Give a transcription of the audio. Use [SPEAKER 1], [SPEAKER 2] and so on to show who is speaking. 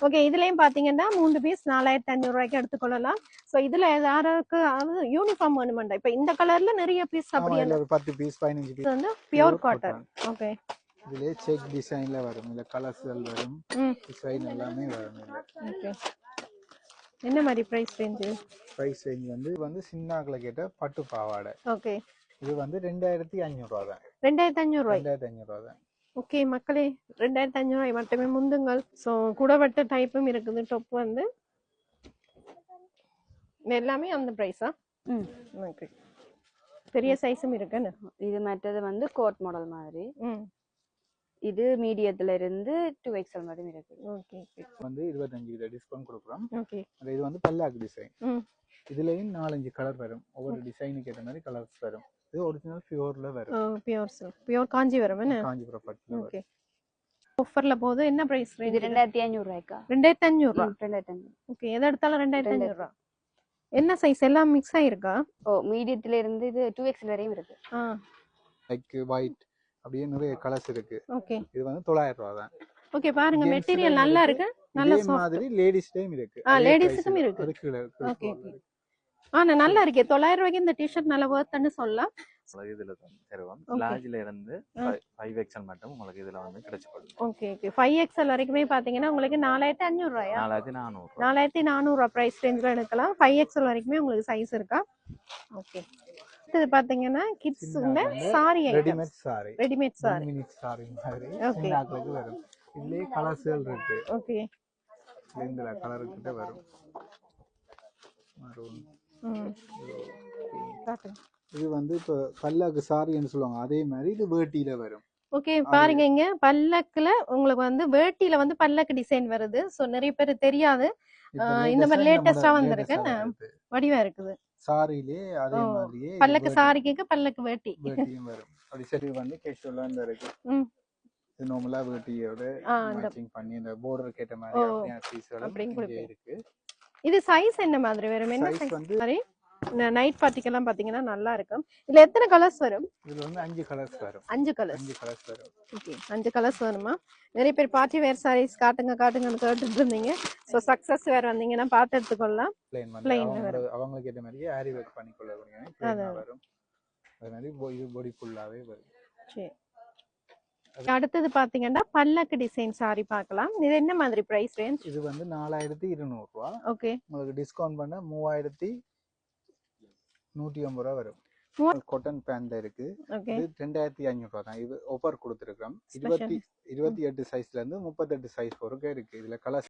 [SPEAKER 1] Okay, இதுலயும் பாத்தீங்கன்னா 3 piece 4500 ரூபாய்க்கு எடுத்துக்கொள்ளலாம். சோ இதுல யாராருக்கு யூனிஃபார்ம் வேணுமெண்டா இப்ப இந்த கலர்ல நிறைய பீஸ்
[SPEAKER 2] ஆமா
[SPEAKER 1] அப்படியே
[SPEAKER 2] இதுல ஒரு 10 பீஸ் 15 பீஸ்
[SPEAKER 1] வந்து பியூர் காட்டன். ஓகே,
[SPEAKER 2] இதுல செக் டிசைன்ல வரும், இல்ல கலர்ஸ்கள் வரும், டிசைன் எல்லாமே வரும்.
[SPEAKER 1] ஓகே, என்ன மாதிரி பிரைஸ் ரேஞ்ச்?
[SPEAKER 2] பிரைஸ் ரேஞ்ச் வந்து சின்னாக்களை கேட்ட பட்டு பாவாடை.
[SPEAKER 1] ஓகே,
[SPEAKER 2] இது வந்து 2500 ரூபா தான்.
[SPEAKER 1] 2500 ரூபாய்.
[SPEAKER 2] 2500 ரூபா தான்.
[SPEAKER 1] ஓகே மக்களே, 2500 ரூபாய் மட்டுமே முந்துங்கள். ஸோ கூடவட்ட டைப்பும் இருக்குது. டாப் வந்து எல்லாமே அந்த ப்ரைஸா? ஓகே, பெரிய சைஸும் இருக்குன்னு.
[SPEAKER 3] இது மற்றது வந்து கோட் மாடல் மாதிரி. இது மீடியத்துல இருந்து 2XL மட்டும் இருக்கு.
[SPEAKER 1] ஓகே,
[SPEAKER 2] வந்து 25% டிஸ்கவுண்ட் கொடுக்குறோம்.
[SPEAKER 1] ஓகே,
[SPEAKER 2] இது வந்து பல்லாக் டிசைன். இதுலயும் 4-5 கலர் வரும். ஒவ்வொரு டிசைனுக்கு ஏற்ற மாதிரி கலர்ஸ் வரும். இது ஒரிஜினல் பியூர்ல வரும்.
[SPEAKER 1] பியூர் சில்க், பியூர் காஞ்சிபுரம் என்ன?
[SPEAKER 2] காஞ்சிபுரம் பட்டுல.
[SPEAKER 1] ஓகே, ஆஃபர்ல போகுது. என்ன பிரைஸ் ரேஞ்ச்?
[SPEAKER 3] இது 2500 ரூபாய்க்கா?
[SPEAKER 1] 2500 ரூபாய்.
[SPEAKER 3] 2500.
[SPEAKER 1] ஓகே, எதை எடுத்தாலும் 2500 ரூபாய். என்ன சைஸ் எல்லாம் மிக்ஸ் ஆயிருக்கா?
[SPEAKER 3] ஓ, மீடியத்துல இருந்து இது 2XL வரையும் இருக்கு.
[SPEAKER 2] லைக் ஒயிட் அப்படியே நிறைய கலர்ஸ் இருக்கு.
[SPEAKER 1] ஓகே,
[SPEAKER 2] இது வந்து 900 ரூபாய் தான்.
[SPEAKER 1] ஓகே, பாருங்க மெட்டீரியல் நல்லா இருக்கு. நல்ல
[SPEAKER 2] இதே மாதிரி லேடிஸ்லயும் இருக்கு.
[SPEAKER 1] லேடிஸ்க்கும் இருக்கு. ஓகே, நல்லா இருக்கு. 900 ரூபாய்க்கு இந்த டி-ஷர்ட் நல்ல வர்த்னு சொல்லலாம்.
[SPEAKER 4] இதுல தருவோம். லார்ஜ்ல இருந்து 5XL மட்டும் உங்களுக்கு இதுல வந்து கிடைச்சுக்கொள்ளும்.
[SPEAKER 1] ஓகே, ஓகே, 5XL வரைக்குமே பாத்தீங்கன்னா உங்களுக்கு 4500 ரூபாயா?
[SPEAKER 4] 4400.
[SPEAKER 1] 4400 ரூபாய் பிரைஸ் ரேஞ்ச்ல எடுக்கலாம். 5XL வரைக்குமே உங்களுக்கு சைஸ் இருக்கா? ஓகே, இது பாத்தீங்கன்னா kids sari items.
[SPEAKER 2] Readymade sari.
[SPEAKER 1] Readymade sari.
[SPEAKER 2] Minute sari மாதிரி
[SPEAKER 1] ஓகே,
[SPEAKER 2] சின்னாக்களுக்கு வரும். இதுலயே கலர்ஸ்கள் இருக்கு.
[SPEAKER 1] ஓகே,
[SPEAKER 2] இந்த கலர் கிட்ட வரும். மரூன். இது வந்து இப்ப பல்லாக்கு சாரின்னு சொல்லுவாங்க. அதே மாதிரி இது வேட்டியில வரும்.
[SPEAKER 1] ஓகே, பாருங்க இங்க பல்லக்குல உங்களுக்கு வந்து வேட்டியில வந்து பல்லக்கு டிசைன் வருது. சோ நிறைய பேர் தெரியாது. இந்த மாதிரி லேட்டஸ்டா வந்திருக்கு. வடிவா இருக்குது.
[SPEAKER 2] சாரியிலே அதே மாதிரியே
[SPEAKER 1] பல்லக்கு சாரிக்கு பல்லக்கு வேட்டி
[SPEAKER 2] வேட்டியும் வரும். அப்படி சரி வந்து கேஷுவலா இருக்கு. இது நார்மலா வேட்டியோட மேட்சிங் பண்ணி இந்த border கேட்ட மாதிரி அப்படியே பீஸ்கள் அப்படியே இருக்கு.
[SPEAKER 1] இது சைஸ் என்ன மாதிரி வரும்? என்ன சைஸ் வந்து மாதிரி நைட் பார்ட்டிக்கெல்லாம் பாத்தீங்கன்னா நல்லா இருக்கும். இதுல எத்தனை கலர்ஸ் வரும்?
[SPEAKER 2] இதுல வந்து 5 கலர்ஸ் வரும்.
[SPEAKER 1] 5 கலர்ஸ்.
[SPEAKER 2] 5 கலர்ஸ் வரும்.
[SPEAKER 1] ஓகே, 5 கலர்ஸ் வருமா? நிறைய பேர் பார்ட்டி வேர் சாரீஸ் காட்டுங்கன்னு கேட்டுட்டு இருந்தீங்க. சோ சக்சஸ் வேர் வந்தீங்கன்னா பார்த்து எடுத்துக்கொள்ளலாம்.
[SPEAKER 2] ப்ளைன் வரும். அவங்களுக்கு ஏத்த மாதிரி ஆரி ஒர்க் பண்ணி கொள்ள முடியும். ப்ளைனா வரும். அதே மாதிரி இது பாடி ஃபுல்லாவே வரும். சரி,
[SPEAKER 1] அடுத்தது பாத்தீங்கன்னா பல்லக்கு டிசைன் சாரி பார்க்கலாம். இது என்ன மாதிரி பிரைஸ் ரேஞ்ச்?
[SPEAKER 2] இது வந்து 4200 ரூபாய்.
[SPEAKER 1] ஓகே,
[SPEAKER 2] உங்களுக்கு டிஸ்கவுண்ட் பண்ண 3150 ரூபாய் வரும். காட்டன் பேண்ட்ல இருக்கு. இது 2500 ரூபாய் தான். இது ஆஃபர் கொடுத்திருக்கோம். 28 சைஸ்ல இருந்து 38 சைஸ் வரைக்கும் இருக்கு. இதுல கலர்